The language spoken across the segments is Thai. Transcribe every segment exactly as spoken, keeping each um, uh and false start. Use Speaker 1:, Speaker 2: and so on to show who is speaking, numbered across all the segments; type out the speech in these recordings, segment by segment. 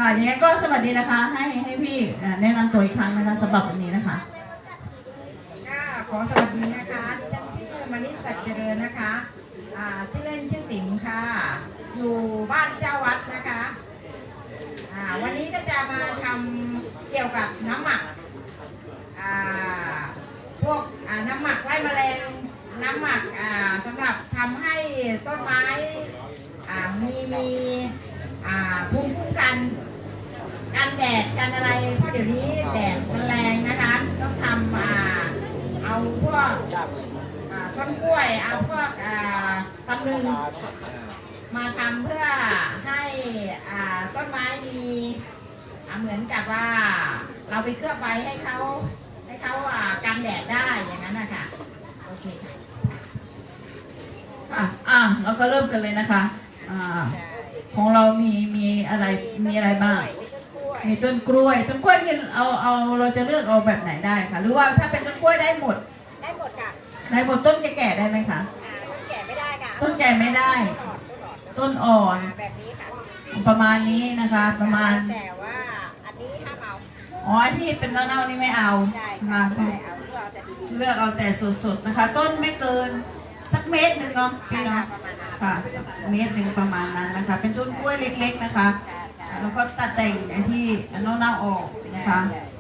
Speaker 1: ค่ะยังไงก็สวัสดีนะคะให้ให้พี่แนะนำตัวอีกครั้งนะคะสำหรับวันนี้นะคะ
Speaker 2: ค่ะขอสวัสดีนะคะดิฉันชื่อมณิษฐ์สัจเจริญนะคะอ่าชื่อเล่นชื่อติ๋มค่ะอยู่บ้านเจ้าวัดนะคะอ่าวันนี้ก็จะมาทำเกี่ยวกับน้ำหมักอ่าพวกอ่าน้ำหมักไล่แมลงน้ำหมักอ่าสำหรับทำให้ต้นไม้อ่ามีมีอ่าภูมิคุ้มกันกันแดดกันอะไรเพราะเดี๋ยวนี้แดดมันแรงนะคะต้องทำอ่าเอาพวกอ่าต้นกล้วยเอาพวกอ่าตำลึงมาทำเพื่อให้อ่าต้นไม้มีอ่าเหมือนกับว่าเราไปเคลือบไว้ให้เขาให้เขาอ่ากันแดดได้อย่างนั้นนะคะโอเคค่ะ
Speaker 1: อ่ะอ่ะเราก็เริ่มกันเลยนะคะอ่าของเรามีมีอะไรมีอะไรบ้างมีต้นกล้วยต้นกล้วยที่เอาเอาเราจะเลือกเอาแบบไหนได้คะหรือว่าถ้าเป็นต้นกล้วยได้หมด
Speaker 2: ได้หมดค่ะ
Speaker 1: ได้หมดต้นแก่ๆได้ไหมคะ
Speaker 2: ต้นแก่ไม่ได้ค่ะ
Speaker 1: ต้นแก่ไม่ได้ต้นอ่อน
Speaker 2: แบบนี้ค่ะ
Speaker 1: ประมาณนี้นะคะประมาณ
Speaker 2: แต่ว่าอันนี้ห้ามเอา
Speaker 1: อ๋อที่เป็นเน่าๆนี่ไม่เอาค่ะเลือกเอาแต่สดๆนะคะต้นไม่เกินสักเมตรหนึ่งเนาะพี่เนาะค่ะเมตรหนึ่งประมาณนั้นนะคะเป็นต้นกล้วยเล็กๆนะคะแล้วก็ตัดแต่งไอ้ที่เน่าๆออกนะคะ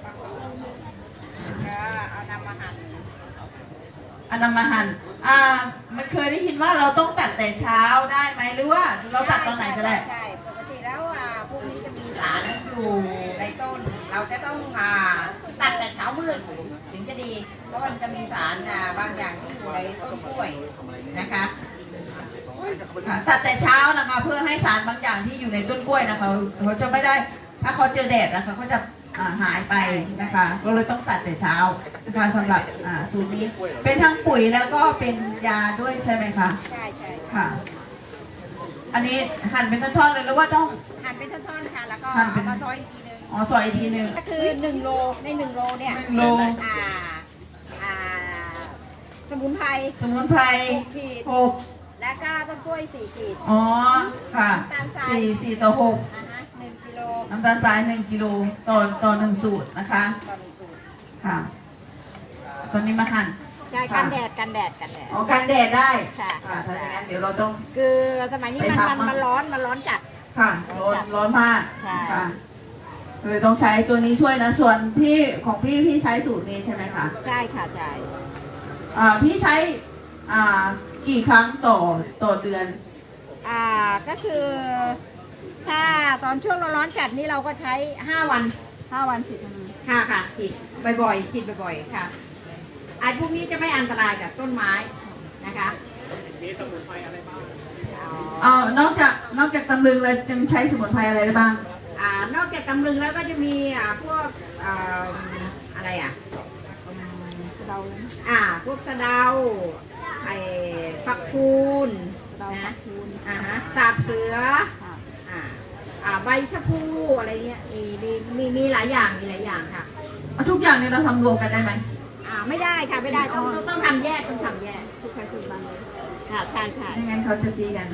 Speaker 2: เอานำมาหั่น
Speaker 1: อันนำมาหั่นอ่ามันเคยได้ยินว่าเราต้องตัดแต่เช้าได้ไหมหรือว่าเราตัดตอนไหนก็ได้
Speaker 2: ใช่ปกติแล้วอ่าพวกนี้จะมีสารอยู่ในต้นเราจะต้องอ่าตัดแต่เช้ามืดถึงจะดีเพราะมันจะมีสารอ่าบางอย่างที่อยู่ในต้นกล้วยนะคะ
Speaker 1: ตัดแต่เช้านะคะเพื่อให้สารบางอย่างที่อยู่ในต้นกล้วยนะคะเขาจะไม่ได้ถ้าเขาเจอแดดนะคะเขาจะหายไปนะคะก็เลยต้องตัดแต่เช้านะคะสำหรับสูตรนี้เป็นทั้งปุ๋ยแล้วก็เป็นยาด้วยใช่ไหมคะ
Speaker 2: ใช่ใช่
Speaker 1: ค่ะอันนี้หั่นเป็นท่อนๆเลยหรือว่าต้อง
Speaker 2: หั่นเป็นท่อนๆค่ะแล้วก็เอามาซอยอีกทีนึง
Speaker 1: อ๋อซอยอีกทีนึง
Speaker 2: ก็คือหนึ่งโลในหนึ่งโลเนี่ย
Speaker 1: หนึ่งโล
Speaker 2: อ่าอ่าสมุนไพร
Speaker 1: สมุนไพรหก
Speaker 2: แล้วก็ต้นกล้วยสี่ขีด
Speaker 1: อ๋อค่ะสี่สี่ต่อหก
Speaker 2: หนึ่งกิโล
Speaker 1: น้ำตาลทรายหนึ่งกิโลต่อต่อหนึ่งสูตรนะคะ
Speaker 2: ต่อหนึ่งสูตร
Speaker 1: ค่ะตอนนี้มาหั่น
Speaker 2: ใช่กันแดดกันแดดกันแดด
Speaker 1: อ๋อกันแดดได้
Speaker 2: ค่ะ
Speaker 1: ค่ะถ้าอย่างนั้นเดี๋ยวเราต้อง
Speaker 2: คือสมัยนี้มันมันมันร้อนมันร้อนจัด
Speaker 1: ค่ะร้อนร้อนมากค่ะเลยต้องใช้ตัวนี้ช่วยนะส่วนพี่ของพี่พี่ใช้สูตรนี้ใช่ไหมคะ
Speaker 2: ใช่ค่ะใช่
Speaker 1: อ่าพี่ใช้อ่ากี่ครั้งต่อต่อเดือน
Speaker 2: อ่าก็คือถ้าตอนช่วงร้อนจัดนี้เราก็ใช้ห้าวันห้าวันฉีดค่ะค่ะฉีดบ่อยๆฉีดบ่อยๆค่ะไอ้พวกนี้จะไม่อันตรายกับต้นไม้นะคะ
Speaker 3: มีสมุนไพรอะไรบ้าง
Speaker 1: อ๋อนอกจากนอกจากตำลึงเลยจะใช้สมุนไพรอะไรได้บ้าง
Speaker 2: อ่านอกจากตำลึงแล้วก็จะมีอ่าพวกอ่าอะไรอ่ะสะเดาอ่าพวกสะเดาไอ้ฝักคูนนะอ่าฮะสาบเสืออ่าอ่าใบชะพูอะไรเงี้ยมีมีมีมีหลายอย่างมีหลายอย่างค่ะ
Speaker 1: ทุกอย่างนี้เราทำรวมกันได้ไหม
Speaker 2: อ่าไม่ได้ค่ะไม่ได้ต้องต้องทำแยกต้องทำแยกทุกใครทุกบ้านเลยค่ะใช่ค่ะ
Speaker 1: ไม่งั้นเขาจะตีกัน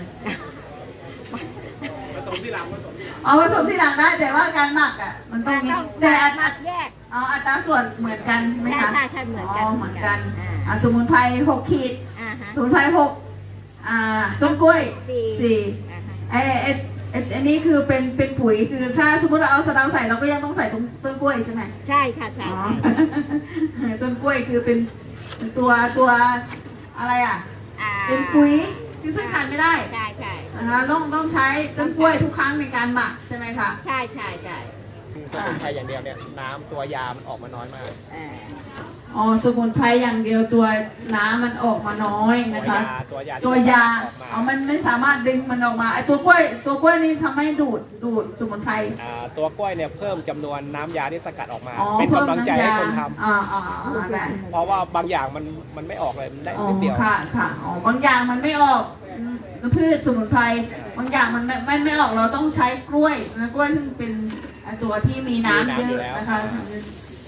Speaker 3: ผสมที่หลังผสมที่หลัง
Speaker 1: อ๋อผสมที่หลังได้แต่ว่าการหมักอ่ะมันต้องมี
Speaker 2: แต่อัตราแยก
Speaker 1: อ๋ออัตราส่วนเหมือนกันไหมคะ
Speaker 2: ใช่ใช่เหมือนกัน
Speaker 1: เหมือนกันอ่าสมุนไพรหกขีดสมุนไพรหกอ่าต้นกล้วยสี่ไอ้ไอ้ไอ้นี่คือเป็นเป็นปุ๋ยคือถ้าสมมติเราเอาสะเดาใส่เราก็ยังต้องใส่ต้นต้นกล้วยใช่ไหม
Speaker 2: ใช่ค่ะใช่
Speaker 1: ต้นกล้วยคือเป็นตัวตัวอะไรอ่ะเป็นปุ๋ยที่ซึ่งขาดไม่ได้
Speaker 2: ใช่ใช่
Speaker 1: นะคะต้องต้องใช้ต้นกล้วยทุกครั้งในการหมักใช่ไหมคะ
Speaker 2: ใช่ใช่ใช่
Speaker 3: สมุนไพรอย่างเดียวเนี่ยน้ำตัวยามันออกมาน้อยมาก
Speaker 1: อ๋อสมุนไพรอย่างเดียวตัวน้ำมันออกมาน้อยนะคะ
Speaker 3: ตัวยา
Speaker 1: ตัวยาอ๋อมันไม่สามารถดึงมันออกมาไอตัวกล้วยตัวกล้วยนี่ทำให้ดูดดูดสมุนไพร
Speaker 3: ตัวกล้วยเนี่ยเพิ่มจำนวนน้ำยาที่สกัดออกมาเป็นกำลังใจให้คนทำเพราะว่าบางอย่างมันมันไม่ออกเลยมันได้นิดเดียว
Speaker 1: ค่ะค่ะอ๋อบางอย่างมันไม่ออกพืชสมุนไพรบางอย่างมันไม่ไม่ออกเราต้องใช้กล้วยนะกล้วยซึ่งเป็นตัวที่มีน้ำเยอะนะคะ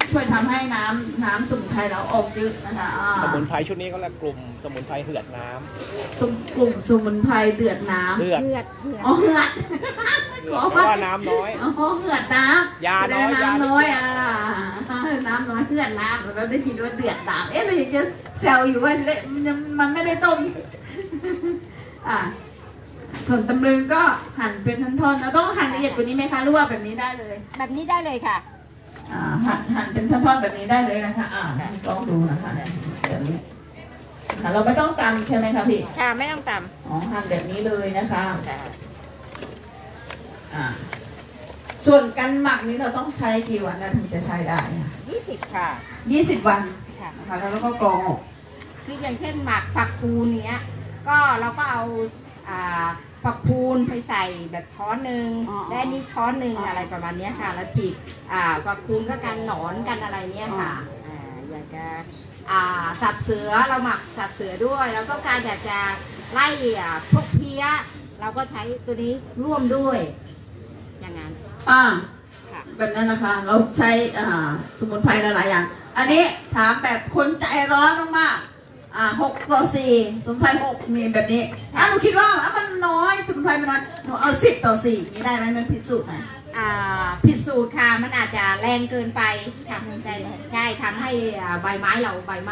Speaker 1: ช่วยทำให้น้ำน้ำสมุนไพรเราออกเยอะนะคะอ่า
Speaker 3: สมุนไพรชุดนี้เขาเรียกกลุ่มสมุนไพรเหือดน้ำ
Speaker 1: สมกลุ่มสมุนไพรเดือดน้ำ
Speaker 3: เหือด
Speaker 2: เหือดเหือด
Speaker 1: อ๋อเหือด
Speaker 3: เหือดเพราะว่าน้ำน้อย
Speaker 1: อ๋อเหือดน้ำ
Speaker 3: ยาน้อย
Speaker 1: น้ำน้อย
Speaker 3: ยา
Speaker 1: อ่ะน้ำน้อยเหือดน้ำเราได้ยินว่าเดือดน้ำเอ๊ะเราอยากจะแซวอยู่ว่าเละมันไม่ได้ต้มอ่าส่วนตำลึงก็หั่นเป็นท่อนๆเราต้องหั่นละเอียดกว่านี้ไหมคะหรือว่าแบบนี้ได้เลย
Speaker 2: แบบนี้ได้เลยค่ะ
Speaker 1: อ่าหั่นหั่นเป็นท่อนๆแบบนี้ได้เลยนะคะ อ่าลองดูนะคะแบบนี้อ่าเราไม่ต้องตำใช่ไหมคะพี่
Speaker 2: ค่ะไม่ต้องต
Speaker 1: อ๋อหั่นแบบนี้เลยนะคะ
Speaker 2: ำค่ะ
Speaker 1: อ่าส่วนการหมักนี้เราต้องใช้กี่วันนะถึงจะใช้ได้
Speaker 2: ยี่สิบค่ะ
Speaker 1: ยี่สิบวัน
Speaker 2: ค่ะ
Speaker 1: นะคะแล้วเราก็กรองออก
Speaker 2: คืออย่างเช่นหมักฝักคูนเนี้ย ก็เราก็เอาอ่าฝักคูนไปใส่แบบช้อนหนึ่งและอันนี้ช้อนหนึ่งอะไรประมาณเนี้ยค่ะ แล้วฉีกอ่าฝักคูนก็กันหนอนกันอะไรเนี้ยค่ะอ่าอยากจะอ่าสับเสือเราหมักสับเสือด้วยเราต้องการอยากจะไล่อ่าพวกเพี้ย เราก็ใช้ตัวนี้ร่วมด้วย อย่างนั้น
Speaker 1: อ่า
Speaker 2: ค่ะ
Speaker 1: แบบนั้นนะคะ เราใช้อ่าสมุนไพรหลายๆอย่าง อันนี้ถามแบบคนใจร้อนมากๆอ่าหกต่อสี่สมุนไพรหกมีแบบนี้อ่าหนูคิดว่าอ่ะมันน้อยสมุนไพรมันน้อยหนูเอาสิบต่อสี่นี่ได้ไหมมันผิดสูตรไหม
Speaker 2: อ่าผิดสูตรค่ะมันอาจจะแรงเกินไปทำใช่ใช่ทำให้อ่าใบไม้เราใบไหม้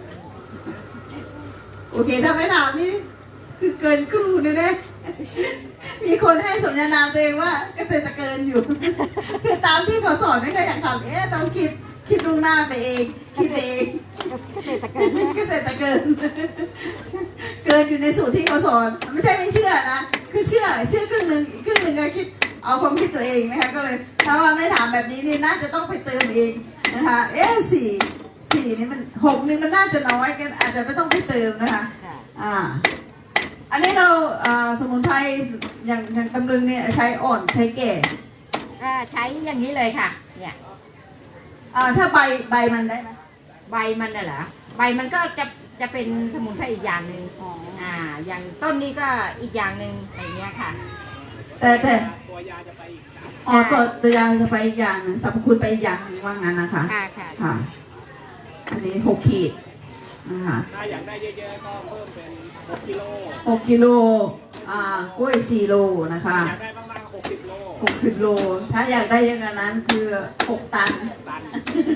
Speaker 1: โอเคถ้าไม่ถามนี่คือเกินครูเลยนะมีคนให้สมญานามตัวเองว่าเกษตรเกินอยู่คือตามที่เขาสอนไม่เคยอยากทำเอ๊ะต้องคิดคิดล่วงหน้าไปเองคิดไปเอง
Speaker 2: เกษตรกร
Speaker 1: เกษตรเกิน เกินอยู่ในสูตรที่เขาสอนไม่ใช่ไม่เชื่อนะคือเชื่อเชื่อครึ่งหนึ่งอีกครึ่งหนึ่งก็คิดเอาความคิดตัวเองนะคะก็เลยถ้าว่าไม่ถามแบบนี้นี่น่าจะต้องไปเติมเองนะคะเอ๊ะสี่สี่นี่มันหกนี่มันน่าจะน้อยกันอาจจะไม่ต้องไปเติมนะคะ
Speaker 2: ค่ะ
Speaker 1: อ่า อันนี้เราอ่าสมุนไพรอย่างอย่างตำลึงเนี่ยใช้อ่อนใช้แก่
Speaker 2: อ่าใช้อย่างนี้เลยค่ะ เนี่ย
Speaker 1: อ่าถ้าใบใบมันได้ไหม
Speaker 2: ใบมันน่ะเหรอใบมันก็จะจะเป็นสมุนไพรอีกอย่างหนึ่งอ่า อย่างต้นนี้ก็อีกอย่างหนึ่งอะไรเงี้ยค่ะ
Speaker 1: แต่แต่
Speaker 3: ตัวยาจะไปอีกสาม
Speaker 1: อ๋อตัวตัวยางจะไปอีกอย่างหนึ่งสรรพคุณไปอีกอย่างหนึ่งว่างั้นนะคะ
Speaker 2: ค่ะค่ะ
Speaker 1: ค่ะ อันนี้หกขีดนะคะ
Speaker 3: ถ้าอยากได้เยอะๆก็เพิ่มเป็นหกกิโล
Speaker 1: หกกิโลอ่ากล้วยสี่โลนะคะ
Speaker 3: อยากได้มากๆหกสิบโล
Speaker 1: หกสิบโล ถ้าอยากได้เยอะกว่านั้นคือหกตัน
Speaker 3: ตัน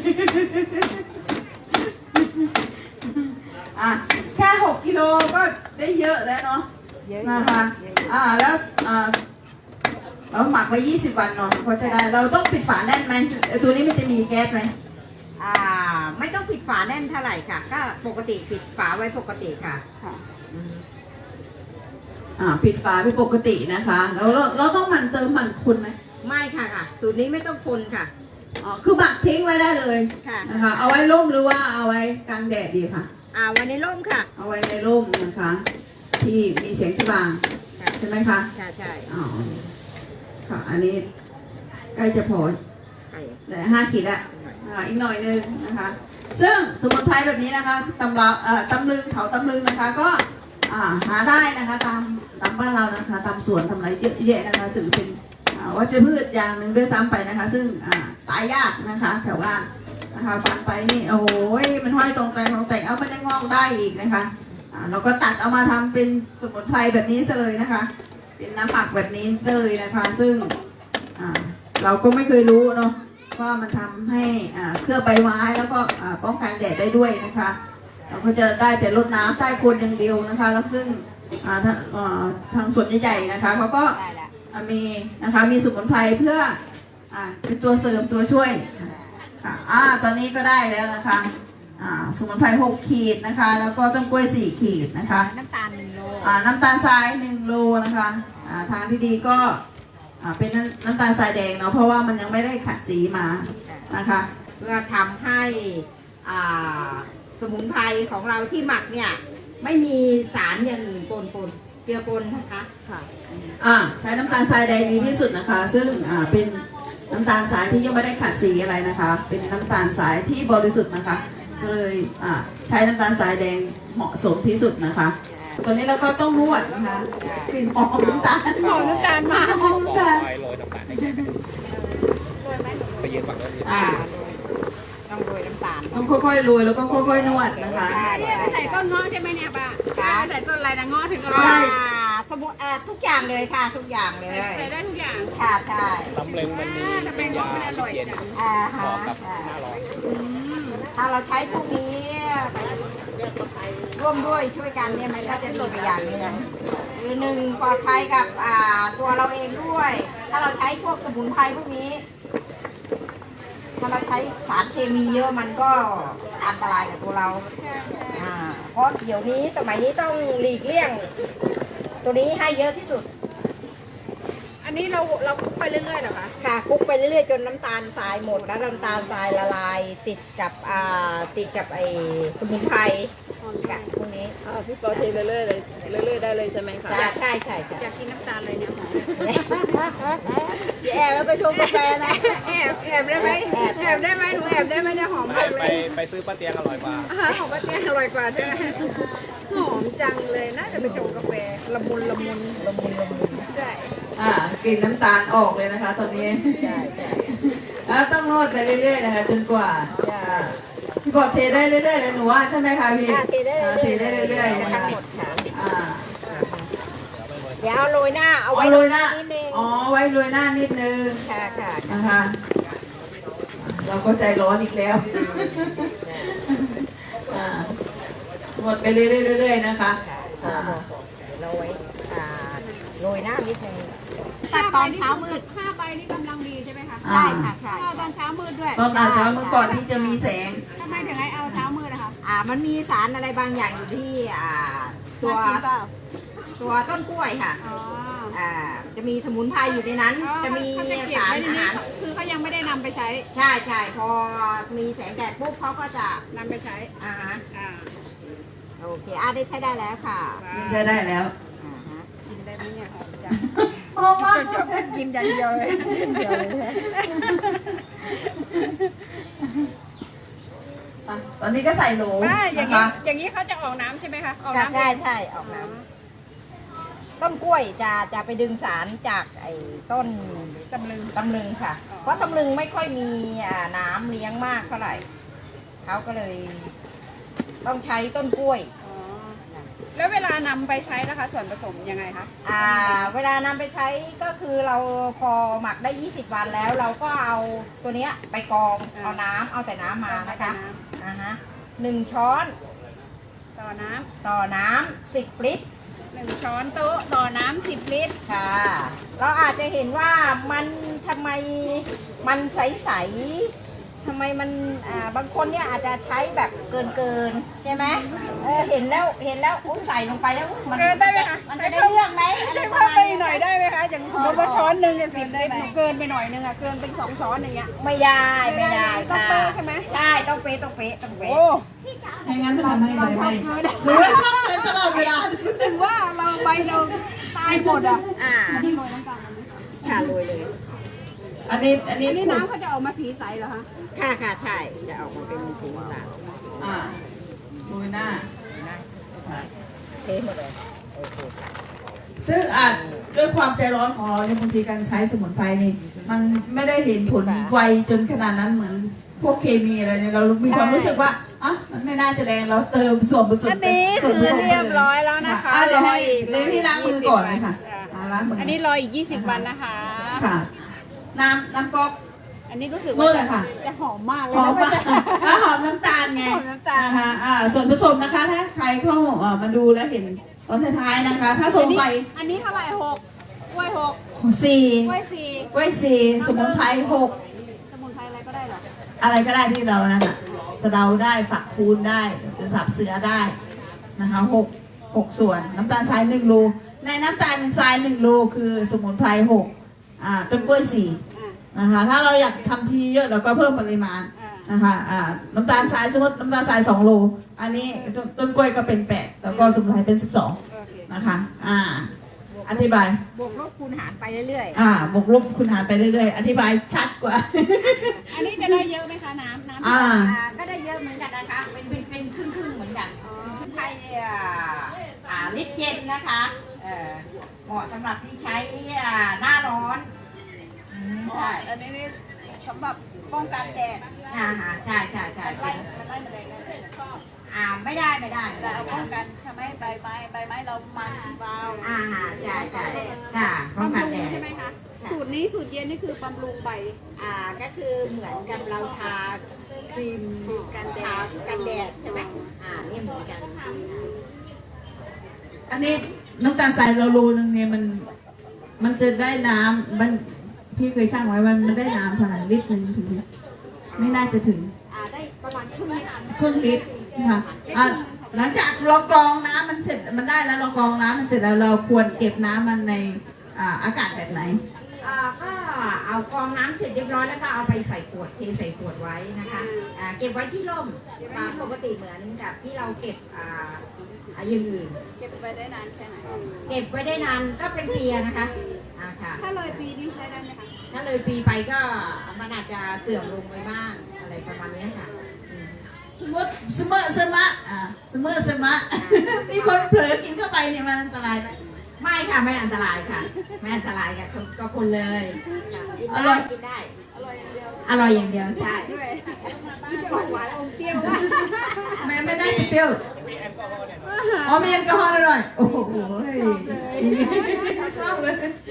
Speaker 1: อ่ะแค่หกกิโลก็ได้เยอะแล้วเนาะ
Speaker 2: เยอะ
Speaker 1: นะคะ
Speaker 2: เยอะ
Speaker 1: อ่า แล้ว อ่า เราหมักไว้ยี่สิบวันเนาะก็จะได้ เราต้องปิดฝาแน่นไหมไอ้ตัวนี้มันจะมีแก๊สไหม
Speaker 2: อ่า ไม่ต้องปิดฝาแน่นเท่าไหร่ค่ะ ก็ปกติปิดฝาไว้ปกติค่ะ
Speaker 1: ค่ะ
Speaker 2: อืม
Speaker 1: อ่า ปิดฝาเป็นปกตินะคะ แล้วเราเราต้องหมั่นเติมหมั่นคุณไหม
Speaker 2: ไม่ค่ะค่ะ สูตรนี้ไม่ต้องคนค่ะ
Speaker 1: อ๋อ คือหมักทิ้งไว้ได้เลย
Speaker 2: ค่ะ
Speaker 1: นะคะ เอาไว้ร่มหรือว่าเอาไว้กลางแดดดีค่ะ
Speaker 2: อ่าวันนี้ร่มค่ะ
Speaker 1: เอาไว้ในร่มนะคะ ที่มีแสงสว่าง
Speaker 2: ค่ะ
Speaker 1: ใช่ไหมคะ
Speaker 2: ใช่ใช่
Speaker 1: อ๋อ ค่ะ อันนี้ใกล้จะพอ
Speaker 2: ใช่
Speaker 1: เหลือห้าขีดละอ่าอีกหน่อยนึงนะคะ ซึ่งสมุนไพรแบบนี้นะคะตำราเอ่อตำลึงเขาตำลึงนะคะ ก็อ่าหาได้นะคะตามตามบ้านเรานะคะตามสวนทำไรเยอะแยะนะคะถือเป็นอ่าวัชพืชอย่างหนึ่งด้วยซ้ำไปนะคะ ซึ่งอ่าตายยากนะคะแถวบ้านนะคะฟันไปนี่โอ้โหมันห้อยตรงแต่งตรงแต่งเอามันยังงอกได้อีกนะคะอ่าเราก็ตัดเอามาทำเป็นสมุนไพรแบบนี้ซะเลยนะคะ เป็นน้ำหมักแบบนี้เลยนะคะ ซึ่งอ่าเราก็ไม่เคยรู้เนาะว่ามันทำให้อ่าเคลือบใบไม้แล้วก็อ่าป้องกันแดดได้ด้วยนะคะ เราก็จะได้แต่รดน้ำใต้โคนอย่างเดียวนะคะ แล้วซึ่งอ่าทางอ่าทางส่วนใหญ่ๆนะคะเขาก็
Speaker 2: ได้ละ
Speaker 1: อ่ามีนะคะมีสมุนไพรเพื่ออ่าเป็นตัวเสริมตัวช่วยค่ะอ่าตอนนี้ก็ได้แล้วนะคะอ่าสมุนไพรหกขีดนะคะ แล้วก็ต้นกล้วยสี่ขีดนะคะ
Speaker 2: น้ำตาลหนึ่งโล
Speaker 1: อ่าน้ำตาลทรายหนึ่งโลนะคะอ่าทางที่ดีก็อ่าเป็นน้ำน้ำตาลทรายแดงเนาะเพราะว่ามันยังไม่ได้ขัดสีมานะคะ
Speaker 2: เพื่อทำให้อ่าสมุนไพรของเราที่หมักเนี่ยไม่มีสารอย่างอื่นปนปนเจือปนนะคะค่ะ
Speaker 1: อ่าใช้น้ำตาลทรายแดงดีที่สุดนะคะ ซึ่งอ่าเป็นน้ำตาลทรายที่ยังไม่ได้ขัดสีอะไรนะคะ เป็นน้ำตาลทรายที่บริสุทธิ์นะคะก็เลยอ่าใช้น้ำตาลทรายแดงเหมาะสมที่สุดนะคะตัวนี้เราก็ต้องนวดนะคะกลิ่นหอมน้ำตาล
Speaker 2: หอมน้ำตาลมาก
Speaker 1: หอมน้ำตาล
Speaker 3: ไปโรยน้ำตาลให้แกไปยืนฝั่งนู้น
Speaker 1: อ่า
Speaker 2: ก็าน
Speaker 1: ต้องค่อยๆโรยแล้วก็ค่อยๆนวดนะคะ
Speaker 4: เนี่ยไปใส่ต้นเงาะใช่ไหมเนี่ยป้าป้าใส่ต้นอะไรนะเงาะถึงอร่อ
Speaker 1: ใช่
Speaker 4: ย
Speaker 2: อ่าสมุนอ่าทุกอย่างเลยค่ะทุกอย่างเลย
Speaker 4: ใส่ได้ทุกอย่าง
Speaker 2: ค่ะใช่
Speaker 3: ตำลึงมันมี
Speaker 4: ทำไม
Speaker 3: เป็น
Speaker 4: เงาะ
Speaker 3: ยา
Speaker 4: มันอร่อย
Speaker 3: เย็น
Speaker 4: จัง
Speaker 2: อ่า
Speaker 3: เห
Speaker 2: ฮะ
Speaker 3: มาะกับหน้าร้อน
Speaker 2: ถ้าเราใช้พวกนี้ร่วมด้วยช่วยกันเนี่ยมันก็จะดีไปอย่างหนึ่งคือหนึ่งปลอดภัยกับอ่าตัวเราเองด้วย ถ้าเราใช้พวกสมุนไพรพวกนี้ ถ้าเราใช้สารเคมีเยอะมันก็อันตรายกับตัวเรา
Speaker 4: ใช่ใช่
Speaker 2: อ่าเพราะเดี๋ยวนี้สมัยนี้ต้องหลีกเลี่ยง ตัวนี้ให้เยอะที่สุด
Speaker 4: อันนี้เราเราคลุกไปเรื่อยๆเหรอคะ
Speaker 2: ค่ะคลุกไปเรื่อยๆจนน้ำตาลทรายหมดแล้วน้ำตาลทรายละลายติดกับอ่าติดกับไอ้สมุนไพรกับพวกนี้
Speaker 5: พี่ปอเทเรื่อยๆเลยเรื่อยๆได้เลยใช่ไหมคะ
Speaker 2: ใช่ใช่ใช่ใช่
Speaker 4: อยากกินน้ำตาลเลยเนี่ยหอม
Speaker 2: พี่แอบแล้วไปชงกาแฟนะ
Speaker 4: แอบแอบได้ไหมแอบได้ไหมหนูแอบได้ไหมเนี่ยหอม
Speaker 3: ไป
Speaker 4: มากเล
Speaker 3: ไป
Speaker 4: ย
Speaker 3: ไปซื้อป้าเตียงอร่อยกว่า
Speaker 4: อาหารของป้าเตี้ยอร่อยกว่าใช่ไหมหอมจังเลยน่าจะไปชงกาแฟละมุนละมุน
Speaker 2: ละมุนละมุน
Speaker 4: ใช่
Speaker 1: อ่ากลิ่นน้ำตาลออกเลยนะคะ ตอนนี้
Speaker 2: ใช่ใช่
Speaker 1: แล้วต้องนวดไปเรื่อยๆนะคะจนกว่าอ่าพี่บอกเทได้เรื่อยๆเลยหนูว่าใช่ไหมคะพี่
Speaker 2: ค่ะเทได้
Speaker 1: อ่าเท
Speaker 2: เรื่
Speaker 1: ได้
Speaker 2: อยๆ
Speaker 1: เรื่อยๆนะ
Speaker 2: ทั้
Speaker 1: คะ
Speaker 2: งหมดค่ะ
Speaker 1: อ่า
Speaker 2: เดี๋ยวเอาโรยหน้าเอาไว้
Speaker 1: เอา
Speaker 2: โร
Speaker 1: โร
Speaker 2: ย
Speaker 1: ย
Speaker 2: ห
Speaker 1: ห
Speaker 2: น้า
Speaker 1: น้า
Speaker 2: นิดนึง
Speaker 1: อ๋อไว้โรยหน้านิดนึง
Speaker 2: ค่ะค่ะ
Speaker 1: นะคะเราก็ใจร้อนอีกแล้วอ่าหมดไปเรื่อยๆนะคะอ่า
Speaker 2: โรยอ่าโรยหน้านิดนึง
Speaker 4: ตัดตอนเช้ามืดห้าใบนี่กำลังดีใช่ไหมคะ
Speaker 2: ใช่ค่ะใช่
Speaker 4: เอาตอนเช้ามืดด้วย
Speaker 1: ตอนอาจจะเมื่อก่อนที่จะมีแสง
Speaker 4: ทำไมถึงให้เอาเช้ามืดนะคะ
Speaker 2: อ่ามันมีสารอะไรบางอย่างอยู่ที่อ่าตัว
Speaker 4: น่ากินเปล่า
Speaker 2: ตัวต้นกล้วยค่ะ
Speaker 4: อ๋อ
Speaker 2: อ่าจะมีสมุนไพรอยู่ในนั้น
Speaker 4: อ๋อ
Speaker 2: จะมี
Speaker 4: เขาจะเก็บ
Speaker 2: สาร
Speaker 4: ไว้ใน
Speaker 2: อา
Speaker 4: นี้
Speaker 2: หาร
Speaker 4: คือเขายังไม่ได้นำไปใช้
Speaker 2: ใช่ใช่พอมีแสงแดดปุ๊บเขาก็จะ
Speaker 4: นำไปใช้
Speaker 2: อ่าฮะ
Speaker 4: อ่า
Speaker 2: โอเคอ่าได้ใช้ได้แล้วค่ะ
Speaker 1: นี่ใช้ได้แล้ว
Speaker 2: อ่าฮะ
Speaker 4: กินได้ไหมเนี่ยหอมจัง
Speaker 1: เพราะว่า
Speaker 4: ชอบกินอย่างเดียวเลยเดียวเลย
Speaker 1: อ่ะตอนนี้ก็ใส่โหล
Speaker 4: ป้าอย่าง
Speaker 1: นะ
Speaker 4: นี้
Speaker 1: คะ
Speaker 4: อย่างนี้เขาจะออกน้ำใช่ไหมคะออก
Speaker 2: ใช่
Speaker 4: น้ำ
Speaker 2: ใช่
Speaker 4: เอง
Speaker 2: ใช่ออกน้ำต้นกล้วยจะจะไปดึงสารจากไอ้ต้น
Speaker 4: ตำลึง
Speaker 2: ตำลึงค่ะ
Speaker 4: อ๋อ
Speaker 2: เพราะตำลึงไม่ค่อยมีอ่าน้ำเลี้ยงมากเท่าไหร่เขาก็เลย ต้องใช้ต้นกล้วย
Speaker 4: อ๋อแล้วเวลานำไปใช้นะคะ ส่วนผสมยังไงคะ
Speaker 2: อ่าเวลานำไปใช้ก็คือเราพอหมักได้ ยี่สิบ วันแล้ว เราก็เอาตัวเนี้ยไปกรองเอาน้ำเอาแต่น้ำมานะคะอ่าฮะหนึ่งช้อน
Speaker 4: ต่อน้
Speaker 2: ต่อน้ำสิบลิตร
Speaker 4: ำหนึ่งช้อนโต๊ะต่อน้ำสิบลิตร
Speaker 2: ค่ะ เราอาจจะเห็นว่ามันทำไมมันใสๆทำไมมันอ่าบางคนเนี่ยอาจจะใช้แบบเกินเกินๆใช่ไหมเออเห็นแล้วเห็นแล้วอุ้ยใส่ลงไปแล้วอุ๊ยมัน
Speaker 4: เกินได้ไหมคะ
Speaker 2: มันจะได้เรื่องไหม
Speaker 4: ใช่เพิ่มไปอีกหน่อยได้ไหมคะอย่างสมมติว่าช้อนหนึ่งเนี่ยสิบลิตรหนูเกินไปหน่อยนึงอะเกินเป็นสองช้อนอย่างเงี้ย
Speaker 2: ไม่ได้ไม่ได้
Speaker 4: ต้อง
Speaker 2: ค่ะ
Speaker 4: เป๊ะใช่ไหม
Speaker 2: ใช่ต้องเป๊ะต้องเป๊ะต้องเป๊ะ
Speaker 4: โอ้
Speaker 1: ไม่งั้นจะทำให้ใบไหม้หรือว่าชอบเลยตลอดเวลา
Speaker 4: ถึงว่าเราใบเราตายหมดอ่ะ
Speaker 2: อ่า
Speaker 4: อันนี้โรยน้ำตาลอันนี้
Speaker 2: ค่ะโรยเลย
Speaker 1: อันนี้อันนี้
Speaker 4: อันนี้น้ำเขาจะออกมาสีใสเหรอคะ
Speaker 2: ค่ะค่ะใช่จะออกมาเป็นสีน้ำตาล
Speaker 1: อ่าโรยหน้า
Speaker 2: นะเทหมดเลยโอเคค่ะ
Speaker 1: ซึ่งอาจด้วยความใจร้อนของเราเนี่ยบางทีการใช้สมุนไพรนี่มันไม่ได้เห็นผลไวจนขนาดนั้นเหมือนพวกเคมีอะไรเนี่ยเรามีความรู้สึกว่าอ่ะมันไม่น่าจะแรงเราเติมส่วนผสม
Speaker 4: อันนี้
Speaker 1: ส่วนผ
Speaker 4: คือ
Speaker 1: สม
Speaker 4: เรียบร้อยแล้วนะคะ
Speaker 1: อ่ะเดี๋ยวให้
Speaker 4: รออีก
Speaker 1: เดี๋ยวพี่ล้างมือก่อนเลยค่ะอ่ะล้างมือ
Speaker 4: อั
Speaker 1: อั
Speaker 4: นนี้รออีกยี่สิบวันนะคะ
Speaker 1: ค่ะ น้ำน้ำก๊อก
Speaker 4: อันนี้รู้สึก
Speaker 1: นู่
Speaker 4: ว่าน
Speaker 1: เล
Speaker 4: จะ
Speaker 1: ยค่ะ
Speaker 4: จะหอมมากเลย
Speaker 1: หอม
Speaker 4: นะ
Speaker 1: มากอ่ะหอมน้ำตาลไง
Speaker 4: หอมน้ำตาล
Speaker 1: นะคะอ่าส่วนผสมนะคะถ้าใครเข้าเอ่อมาดูแล้วเห็นตอนท้ายๆนะคะ ถ้าสงสัย
Speaker 4: อันนี้เท่าไหร่หกกล้วยหก
Speaker 1: สี่
Speaker 4: กล้วยสี่
Speaker 1: กล้วยสี่สมุนไพรหก
Speaker 4: สมุนไพรอะไรก็ได้เหรอ
Speaker 1: อะไรก็ได้ที่เรานั่นน่ะสะเดาได้ฝักคูณได้หรือสับเสือได้นะคะหกหกส่วนน้ำตาลทรายหนึ่งโลในน้ำตาลทรายหนึ่งโลคือสมุนไพรหกอ่าต้นกล้วยสี่
Speaker 4: อ่า
Speaker 1: นะคะถ้าเราอยากทำทีเยอะเราก็เพิ่มปริมาณ
Speaker 4: อ่า
Speaker 1: นะคะอ่าน้ำตาลทรายสมมติน้ำตาลทรายสองโลอันนี้ต้นต้นกล้วยก็เป็นแปดแล้วก็สมุนไพรเป็นสิบสอง
Speaker 4: โอเค
Speaker 1: นะคะอ่าอธิบาย
Speaker 2: บวกลบคูณหารไปเรื่อย
Speaker 1: อ่าบวกลบคูณหารไปเรื่อยๆอธิบายชัดกว่า
Speaker 4: อันนี้จะได้เยอะไหมคะน้ำน้ำ
Speaker 1: อ่า
Speaker 2: ๆอ่าก็ได้เยอะเหมือนกันนะคะเป็นเป็นเป็นครึ่งครึ่งๆเหมือนกันไทยอ่าอ่าลิตรเย็นนะคะเอ่อเหมาะสำหรับที่ใช้อ่าหน้าร้อนอืมใช่
Speaker 5: อันนี้นี่
Speaker 4: สำหรับป้องกันแดด
Speaker 2: อ่าฮะใช่ใช่ใช่
Speaker 4: ไล่มันไล่แมลงได้ชอบ
Speaker 2: อ่าไม่ได้ไม่ได้
Speaker 4: แต่เอาป้องกันทำให้ใบไม้ใบไม้เรามันวาว
Speaker 2: อ่าฮะใช่ใช่จ้าป้อง
Speaker 4: บำ
Speaker 2: กัน
Speaker 4: รุ
Speaker 2: แด
Speaker 4: ง
Speaker 2: ด
Speaker 4: ใช่ไหมคะสูตรนี้สูตรเย็นนี่คือบำรุงใบ
Speaker 2: อ่าก็คือเหมือนกับเราทาครีมกันแดดกันแดดใช่ไหมอ่านี่เหมือนกัน
Speaker 1: อันนี้น้ำตาลทรายเราโลนึงเนี่ยมันมันจะได้น้ำมันพี่เคยช่างไว้มันมันได้น้ำเท่าไหร่ลิตรหนึ่งถึงไหมไม่น่าจะถึง
Speaker 2: อ่าได้ประมาณครึ่งลิตร
Speaker 1: ครึ่งลิตรค่ะอ่ะหลังจากเรากรองน้ำมันเสร็จมันได้แล้วเรากรองน้ำมันเสร็จแล้วเราควรเก็บน้ำมันในอ่าอากาศแบบไหน
Speaker 2: อ่าก็เอากรองน้ำเสร็จเรียบร้อยแล้วก็เอาไปใส่ขวดเทใส่ขวดไว้นะคะอ่าเก็บไว้ที่ร่มตามปกติเหมือนกับที่เราเก็บอ่าอ่าอย่างอื่น
Speaker 4: เก็บไปได้นานแค่ไหน
Speaker 2: เก็บไว้ได้นานก็เป็นปีอะนะคะอ่าค่ะ
Speaker 4: ถ้าเลยปีนี้ใช้ได้ไหมคะ
Speaker 2: ถ้าเลยปีไปก็มันอาจจะเสื่อมลงไปบ้างอะไรประมาณนี้ค่ะอืม
Speaker 1: สมมติสมมติสมะอ่าสมมติสมะ มีคนเผลอกินเข้าไปเนี่ยมันอันตรายไหม
Speaker 2: ไม่ค่ะไม่อันตรายค่ะ ไม่อันตรายค่ะก็คนเลยค่ะกิน
Speaker 1: อร่
Speaker 2: ได้
Speaker 1: อย
Speaker 2: กินได้
Speaker 4: อร่อยอย่างเดียว
Speaker 2: อร่อยอย่างเดียวใช่
Speaker 4: ด้วยไม่จะออกหวานอมเปรี้ยวว่า
Speaker 1: แม่ไม่ได้เปรี้ยวอ๋อมีแอลกอฮอล์อร่อยโอ้โหชอบเลย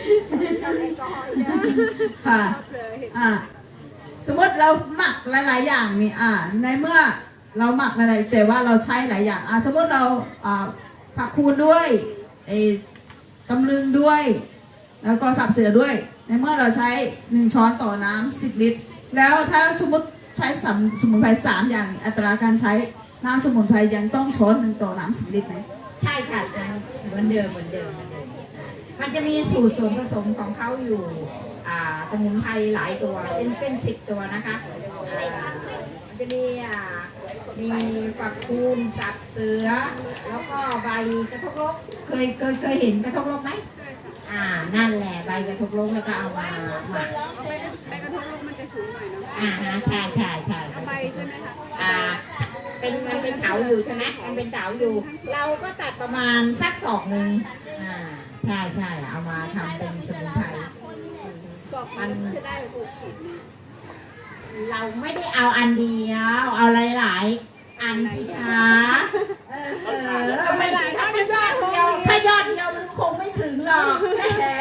Speaker 1: ค่ะอ่าสมมติเราหมักหลาย ๆ อย่างนี่อ่าในเมื่อเราหมักอะไรแต่ว่าเราใช้หลายอย่างอ่าสมมติเราอ่าผักคูณด้วยไอ้ตำลึงด้วย แล้วก็สับเสือด้วย ในเมื่อเราใช้หนึ่งช้อนต่อน้ำสิบลิตร แล้วถ้าสมมติใช้สสมุนไพรสามอย่างอัตราการใช้น้ำสมุนไพรยังต้องช้อนหนึ่งต่อน้ำสิบลิตรไหม
Speaker 2: ใช่ค่ะเหมือนเดิมเหมือนเดิมเหมือนเดิมมันจะมีสูตรส่วนผสมของเขาอยู่อ่าสมุนไพรหลายตัวเป็นเป็นสิบตัวนะคะอ่ามันจะมีอ่ามีฝักคูณสับเสือ แล้วก็ใบกระทกลกเคยเคยเคยเห็นกระทกลกไหมอ่านั่นแหละใบกระทกลกแล้วก็เอามาหมัก
Speaker 4: เอาไปไปกระทบลูกมันจะสูงหน่อยเนาะ
Speaker 2: อ่าฮะใช่ใช่ใช่
Speaker 4: ใบใช่ไหมคะ
Speaker 2: อ่าเป็นมันเป็นเถาอยู่ใช่ไหมมันเป็นเถาอยู่ เราก็ตัดประมาณสักศอกหนึ่งอ่าใช่ใช่เอามาทำเป็นสมุนไพร
Speaker 4: มันจะได้หกขีด
Speaker 2: เราไม่ได้เอาอันเดียว เอาหลายๆอันสิคะเออเออไม่ได้ถ้ายอดเดียวถ้ายอดเดียวมันคงไม่ถึงหรอกแหม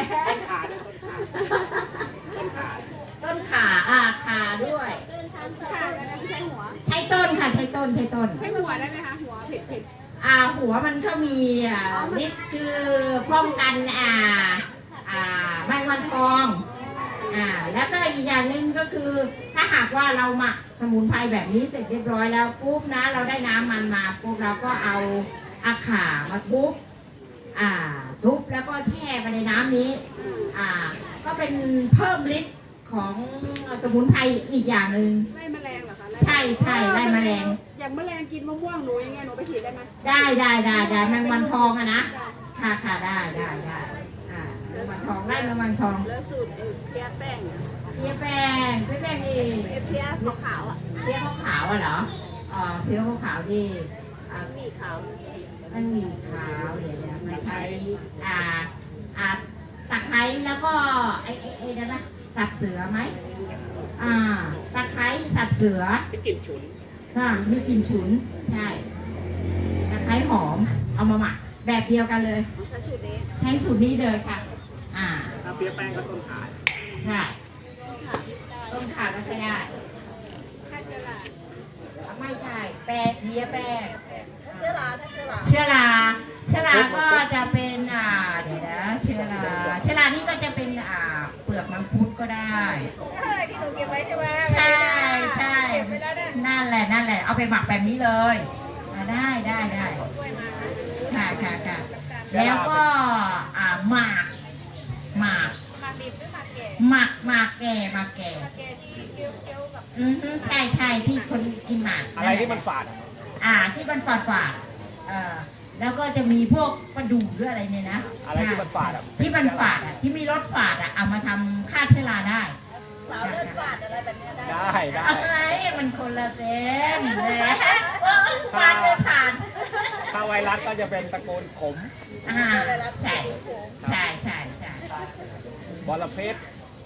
Speaker 2: ต้นขาอ่าขาด้วย
Speaker 4: ค่ะแล้วใช้หัว
Speaker 2: ใช้ต้นค่ะใช้ต้นใช้ต้น
Speaker 4: ใช้หัวได้ไหมคะหัวเผ็ดเผ็ด
Speaker 2: อ่าหัวมันก็มีอ่าฤทธิ์คือป้องกันอ่าอ่าแมงวันทองอ่าแล้วก็อีกอย่างหนึ่งก็คือ ถ้าหากว่าเราหมักสมุนไพรแบบนี้เสร็จเรียบร้อยแล้วปุ๊บนะเราได้น้ำมันมาปุ๊บเราก็เอาอาข่ามาทุบอ่าทุบแล้วก็แช่ไปในน้ำนี้อ่าก็เป็นเพิ่มฤทธิ์ของสมุนไพรอีกอย่างหนึ่ง
Speaker 4: ไล่แมลงเหรอคะ
Speaker 2: ใช่ใช่ไล่แมลง
Speaker 4: อย่างแมลงกินมะม่วงหนูยังไงหนูไปฉีดได้ไหม
Speaker 2: ได้ได้ได้ได้แมงวันทองอะนะค่ะค่ะได้ได้ได้อ่าแมงวันทองไล่แมงวันทอง
Speaker 5: แล้วสูตรไอ้เพี้ยแป้งอะ
Speaker 2: เพี้ยแป้งเพี้ยแป้งนี่
Speaker 5: ไอ้เพี้ยขาวๆอ่ะ
Speaker 2: เพี้ยขาวๆอะเหรออ๋อเพี้ยขาวๆที่อ่า
Speaker 5: มีขาว
Speaker 2: มันมีขาวเดี๋ยวเดี๋ยวมันใช้อ่าอ่าตะไคร้แล้วก็ไอ้ไอ้ไอ้ได้ไหมสับเสือไหมอ่าตะไคร้สับเสือ
Speaker 3: ที่กลิ่นฉุน
Speaker 2: ค่ะมีกลิ่นฉุนใช่ตะไคร้หอมเอามาหมักแบบเดียวกันเลย
Speaker 5: ใช้สูตรนี้
Speaker 2: ใช้สูตรนี้เลยค่ะ อ่า
Speaker 3: ถ้าเปี๊ยะแป้งก็ต้นขา
Speaker 2: ใช่ต้มข่าก็ใช้ได้
Speaker 4: ฆ่าเชื้อรา
Speaker 2: ไม่ใช่ แป้งเพี้ยแป้ง
Speaker 5: เชื้อราถ้าเชื้อรา
Speaker 2: เชื้อราเชื้อราก็จะเป็น อ่า เดี๋ยวนะเชื้อราเชื้อรานี่ก็จะเป็น อ่า เปลือกมังคุดก็ได้
Speaker 4: เออที่หนูเก็บไว้ใช่ไหม
Speaker 2: ใช่ใช่
Speaker 4: เก็บไว้แล้วเนี่ย
Speaker 2: นั่นแหละ นั่นแหละ เอาไปหมักแบบนี้เลยอ่าได้ได้ได้
Speaker 4: ด้วยมา
Speaker 2: ค่ะค่ะค่ะแล้วก็ อ่า หมาก หมาก
Speaker 4: หมากดิบหรือหมากแก่
Speaker 2: หมักหมากแก่หมากแก่
Speaker 4: หมากแก่ที่เคี้ยวเคี้ยวๆกับ
Speaker 2: อือฮึใช่ใช่ที่คนกินหมาก
Speaker 3: อะไรที่มันฝาดอะ
Speaker 2: อ่าที่มันฝาดฝาดเอ่อแล้วก็จะมีพวกกระดูกหรืออะไรเนี่ยนะ
Speaker 3: อะไรที่มันฝาดอะ
Speaker 2: ที่มันฝาดอ่ะที่มีรสฝาดอ่ะเอามาทำฆ่าเชื้อราได้
Speaker 5: สาวเลือดฝาดอะไรแบบเนี้ยได้
Speaker 3: ได้ได้
Speaker 2: อะไรมันคนละเส้นแหมฝาดไม่ผ่าน
Speaker 3: ถ้าไวรัสก็จะเป็นตระกูลขม
Speaker 2: อ่าใช่ใช่ใช่ใช่
Speaker 3: บอระเพ็ด
Speaker 2: บ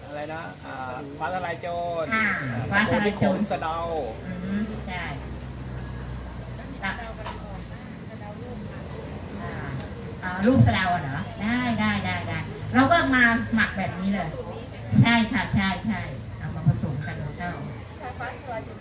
Speaker 3: อะไรนะอ่าฟ้าทลายโจร
Speaker 2: อ่าฟ้าทลายโจร
Speaker 3: สะเดา
Speaker 2: อืมใช่ตักอ่าอ่าลูกสะเดาอะเหรอได้ได้ได้ได้เราก็มาหมักแบบนี้เลย ใช่ค่ะใช่ใช่เอามาผสมกันแล้วก็
Speaker 5: ถ้าฟ้าตัวจะ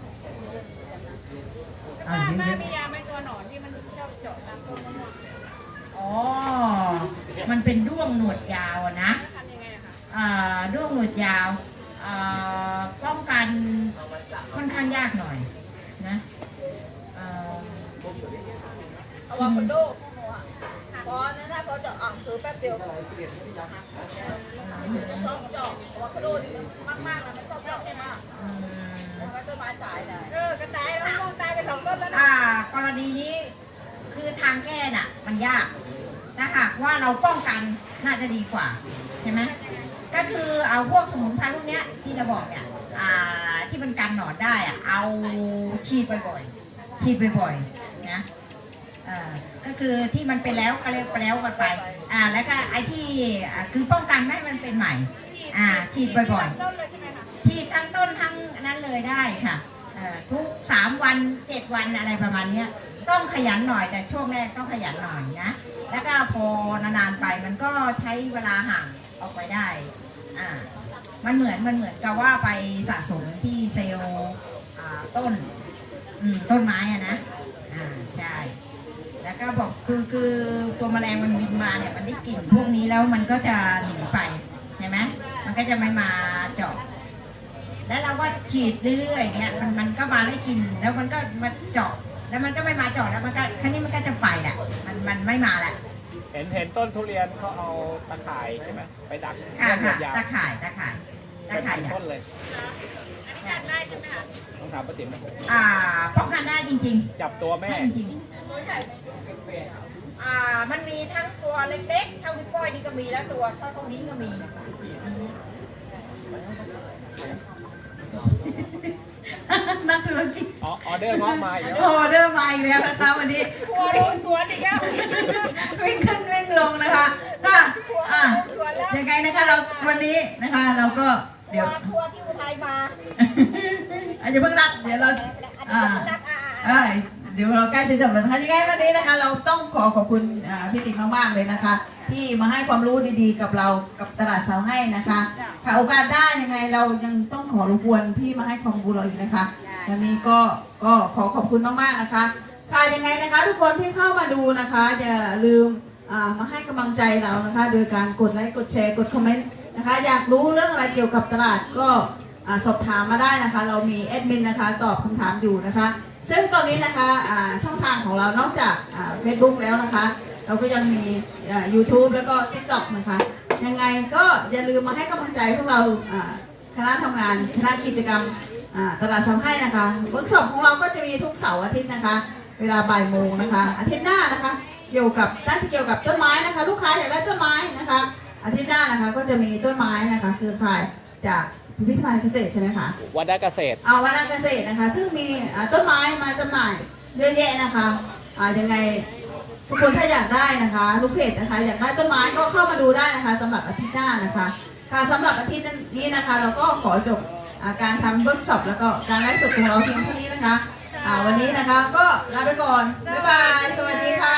Speaker 2: เอา
Speaker 4: ป้า
Speaker 2: เย
Speaker 4: ป้า
Speaker 2: อะ
Speaker 4: มียาไหมตัวหนอนที่มันชอบเจาะตามต้นมะม่วง
Speaker 2: ๆอ๋อมันเป็นด้วงหนวดยาวอะนะ
Speaker 4: ทำยังไงอะคะ
Speaker 2: อ่าด้วงหนวดยาวอ่าป้องกันค่อนข้างยากหน่อยนะอ่า
Speaker 5: อะโวคาโดพอนั่นนะพอจะอ่างคือแป๊บเดียวชอบเจาะอะโวคาโดนี่มันมากๆนะไม่ชอบเจาะมาก
Speaker 2: อืม
Speaker 5: แล้วก็ต้นไม้ตายได้
Speaker 4: เออกระต่ายแล้วมะม่วงตายไปสองต้นแล้วนะ
Speaker 2: อ่ากรณีนี้คือทางแก้น่ะมันยากถ้าหากว่าเราป้องกันน่าจะดีกว่าใช่ไหมก็คือเอาพวกสมุนไพรพวกเนี้ยที่เราบอกเนี่ยอ่าที่มันกันหนอนได้อะเอาฉีดบ่อยๆฉีดบ่อยๆนะอ่าก็คือที่มันเป็นแล้วก็เรียกไปแล้วกันไปอ่าแล้วก็ไอ้ที่อ่าคือป้องกันไม่ให้มันเป็นใหม่อ่าฉีดบ่อยๆ
Speaker 4: ต้นเลยใช่ไหมคะ
Speaker 2: ฉีดทั้งต้นทั้งนั้นเลยได้ค่ะเอ่อทุกสามวันเจ็ดวันอะไรประมาณเนี้ยต้องขยันหน่อยแต่ช่วงแรกต้องขยันหน่อยนะแล้วก็พอนานๆไปมันก็ใช้เวลาห่างออกไปได้อ่ามันเหมือนมันเหมือนกับว่าไปสะสมที่เซลล์อ่าต้นอืมต้นไม้อะนะอ่าใช่แล้วก็บอกคือคือตัวแมลงมันบินมาเนี่ยมันได้กลิ่นพวกนี้แล้วมันก็จะหนีไปใช่ไหมมันก็จะไม่มาเจาะ แล้วเราก็ฉีดเรื่อยๆเนี่ยมันมันก็มาได้กินแล้วมันก็มาเจาะแล้วมันก็ไม่มาเจาะแล้วมันก็ครั้นี้มันก็จะไปแหละมันมันไม่มาแหละ
Speaker 3: เห็นเห็นต้นทุเรียนเขาเอาตะข่ายใช่ไหมไปดัก
Speaker 2: ค่ะ
Speaker 3: ต้น
Speaker 2: ค่ะ
Speaker 3: ยาว
Speaker 2: ตะข่ายตะข่ายตะ
Speaker 3: เป็น
Speaker 2: ข่าย
Speaker 3: พัน
Speaker 2: อ่ะ
Speaker 3: ต้นเลย
Speaker 4: กัดได้ใช่ไหมคะ
Speaker 3: ต้องถามป้าติ๋มนะ
Speaker 2: อ่าป้องกันได้จริง
Speaker 3: จับตัว
Speaker 2: ๆ
Speaker 3: แม่
Speaker 2: ได้จริงๆอ่ามันมีทั้งตัวเล็กๆเท่านิ้วก้อยนี่ก็มีแล้วตัวเท่าเท่านี้ก็มีนักธุรกิจ
Speaker 3: อ๋อออเดอร์งอกมาอีกแล้ว
Speaker 1: ออเดอร์มาอีกแล้วนะคะวันนี้
Speaker 4: ครัวลุงสวนอีกแล้ว
Speaker 1: วิ่งขึ้นวิ่งลงนะคะก็อ่ะยังไงนะคะเราวันนี้นะคะเราก็เดี๋ยว
Speaker 5: ทัวร์ที่อุทัยมา
Speaker 1: อาจจะเพิ่งรับเดี๋ยวเราอ่า
Speaker 5: นักอ่ะ
Speaker 1: เอ้ยเดี๋ยวเราใกล้จะจบแล้วนะคะยังไงวันนี้นะคะ เราต้องขอขอบคุณอ่าพี่ติ๋มมากๆเลยนะคะ ที่มาให้ความรู้ดีๆกับเรากับตลาดเสาให้นะคะค่ะโอกาสได้ยังไงเรายังต้องขอรบกวนพี่มาให้ความรู้เราอีกนะคะวันนี้ก็ก็ขอขอบคุณมากๆนะคะค่ะยังไงนะคะ ทุกคนที่เข้ามาดูนะคะอย่าลืมอ่ามาให้กำลังใจเรานะคะ โดยการกดไลค์กดแชร์กดคอมเมนต์นะคะ อยากรู้เรื่องอะไรเกี่ยวกับตลาดก็อ่าสอบถามมาได้นะคะ เรามีแอดมินนะคะตอบคำถามอยู่นะคะ ซึ่งตอนนี้นะคะอ่าช่องทางของเรานอกจากเฟซบุ๊กแล้วนะคะ เราก็ยังมีอ่า ยูทูบ แล้วก็ ติ๊กต็อก นะคะ ยังไงก็อย่าลืมมาให้กำลังใจพวกเราอ่าคณะทำงานคณะกิจกรรมอ่าตลาดเสาให้นะคะเวิร์กช็อปของเราก็จะมีทุกเสาร์อาทิตย์นะคะ เวลาบ่ายโมงนะคะ อาทิตย์หน้านะคะเกี่ยวกับด้านที่เกี่ยวกับต้นไม้นะคะ ลูกค้าอยากได้ต้นไม้นะคะ อาทิตย์หน้านะคะก็จะมีต้นไม้นะคะคือขายจากพิพิธภัณฑ์เกษตรใช่ไหมคะ
Speaker 3: วัดได้เกษตร
Speaker 1: เอาวันเกษตรนะคะ ซึ่งมีอ่าต้นไม้มาจำหน่ายเยอะแยะนะคะอ่ายังไงทุกคนถ้าอยากได้นะคะลูกเพจนะคะ อยากได้ต้นไม้ก็เข้ามาดูได้นะคะสำหรับอาทิตย์หน้านะคะค่ะสำหรับอาทิตย์นี้นะคะ เราก็ขอจบอ่าการทำเวิร์กช็อปแล้วก็การไลฟ์สดของเราเพียงเท่านี้นะคะอ่าวันนี้นะคะก็ลาไปก่อนบ๊ายบายสวัสดีค่ะ